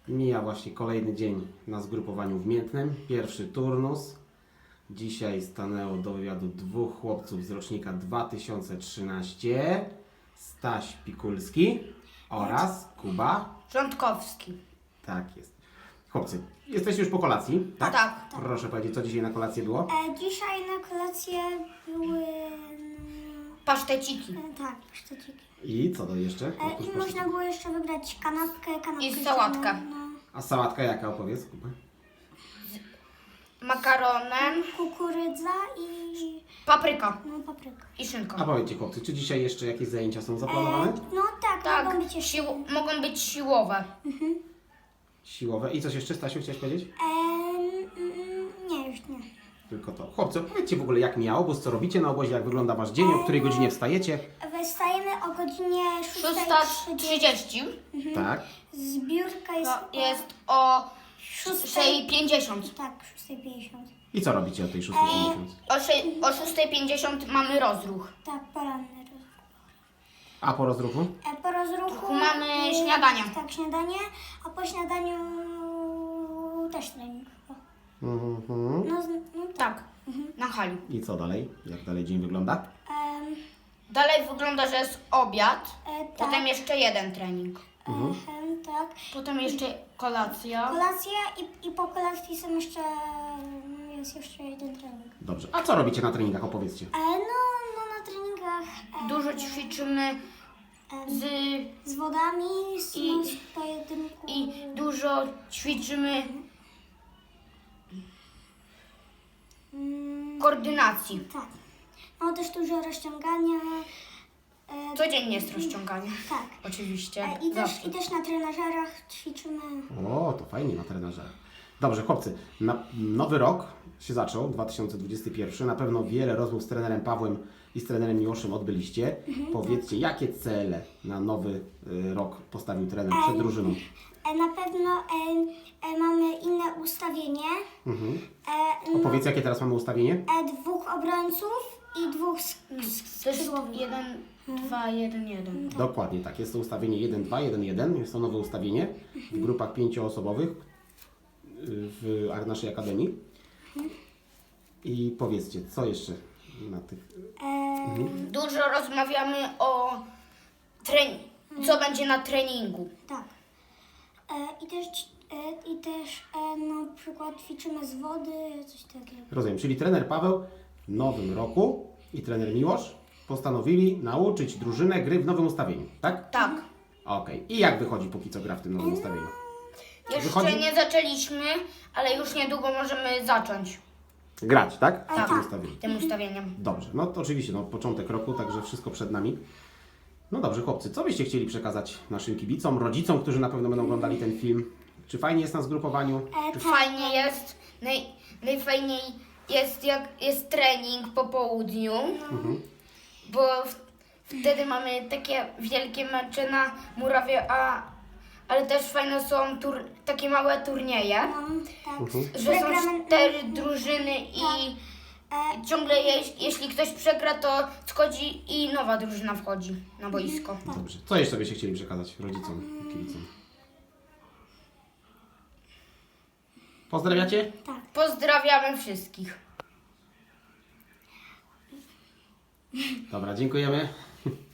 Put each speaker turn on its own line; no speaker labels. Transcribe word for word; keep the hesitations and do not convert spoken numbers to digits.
Mija właśnie kolejny dzień na zgrupowaniu w Miętnem. Pierwszy turnus. Dzisiaj stanęło do wywiadu dwóch chłopców z rocznika dwa tysiące trzynastego. Staś Pikulski oraz Kuba.
Rządkowski.
Tak jest. Chłopcy, jesteście już po kolacji, tak?
Tak.
Proszę powiedzieć, co dzisiaj na kolację było?
E, dzisiaj na kolację były... mm,
Paszteciki.
E, tak, paszteciki.
I co to jeszcze?
E,
Oprócz
I
pasztetu.
można było jeszcze wybrać kanapkę, kanapkę
I sałatkę.
No,
A sałatka jaka, opowiedz, Kuba?
Makaronem,
kukurydza i
papryka
no, papryka.
i szynką.
A powiedzcie chłopcy, czy dzisiaj jeszcze jakieś zajęcia są
E,
zaplanowane?
no tak,
Tak,
mogą być jeszcze...
sił, mogą być siłowe.
Siłowe. I coś jeszcze, Stasiu, chciałeś powiedzieć?
E, mm, nie, już nie.
Tylko to. Chłopcy, powiedzcie w ogóle, jak mija obóz, co robicie na obozie, jak wygląda wasz dzień, o której godzinie wstajecie?
Wystajemy o godzinie
Szósta
szóstej
trzydzieści.
Tak.
Zbiórka jest...
To jest o
Szóstej-
szóstej pięćdziesiąt.
Tak, szóstej pięćdziesiąt.
I co robicie o tej szóstej pięćdziesiąt?
O, sze- o szóstej pięćdziesiąt mamy rozruch.
Tak, poranny rozruch.
A po rozruchu?
E, po rozruchu...
Mamy
e,
śniadanie.
Tak, śniadanie, a po śniadaniu też trening chyba.
Mhm.
No, z- no tak.
Tak, na hali.
I co dalej? Jak dalej dzień wygląda?
Em,
Dalej wygląda, że jest obiad,
e, tak.
potem jeszcze jeden trening,
Em, tak.
potem jeszcze kolacja.
Kolacja i, i po kolacji są jeszcze, jest jeszcze jeden trening.
Dobrze. A co robicie na treningach? Opowiedzcie.
E, no, no na treningach e,
Dużo ćwiczymy
em,
z,
z wodami, z,
i-
no, z pojedynku.
i dużo ćwiczymy
Mm,
koordynacji.
tak. No też dużo rozciągania. E,
Codziennie jest rozciąganie.
tak.
Oczywiście.
E, i, też,
Zawsze.
I też na trenażerach ćwiczymy.
O, to fajnie na trenerze. Dobrze, chłopcy. Na, nowy rok się zaczął, dwa tysiące dwudziesty pierwszy. Na pewno wiele rozmów z trenerem Pawłem i z trenerem Miłoszem odbyliście. Powiedzcie, jakie cele na nowy y, rok postawił trener przed drużyną?
E, na pewno e, e, mamy inne ustawienie.
Mhm.
E, no,
Opowiedz, jakie teraz mamy ustawienie?
e, dwóch obrońców i dwóch sk- sk-
To jest
skrzydłowych.
jeden, dwa, jeden, jeden.
Dokładnie tak. Jest to ustawienie jeden dwa jeden jeden. Jest to nowe ustawienie w grupach pięcioosobowych y, w a- naszej akademii. I powiedzcie, co jeszcze na tych...
E,
Dużo rozmawiamy o trening, co będzie na treningu.
tak. E, I też, e, i też e, na przykład ćwiczymy z wody, coś takiego.
Rozumiem. Czyli trener Paweł w nowym roku i trener Miłosz postanowili nauczyć drużynę gry w nowym ustawieniu, tak?
Tak.
Okej. I jak wychodzi póki co gra w tym nowym ustawieniu?
Jeszcze
Wychodzi?
nie zaczęliśmy, ale już niedługo możemy zacząć
Grać, tak? W
Tak.
tym ustawieniu.
tym ustawieniem.
Dobrze, no to oczywiście, no początek roku, także wszystko przed nami. No dobrze, chłopcy, co byście chcieli przekazać naszym kibicom, rodzicom, którzy na pewno będą oglądali ten film? Czy fajnie jest na zgrupowaniu?
E, tak.
Fajnie jest, naj, najfajniej jest jak jest trening po południu, bo w, wtedy mamy takie wielkie mecze na murawie, a, ale też fajne są tur, takie małe turnieje,
No, tak.
że są
Przegramy-
cztery drużyny i
E,
ciągle jeś, jeśli ktoś przegra, to schodzi i nowa drużyna wchodzi na boisko.
Dobrze. Co jeszcze byście chcieli przekazać rodzicom, kibicom? Pozdrawiacie?
tak.
Pozdrawiamy wszystkich.
Dobra, dziękujemy.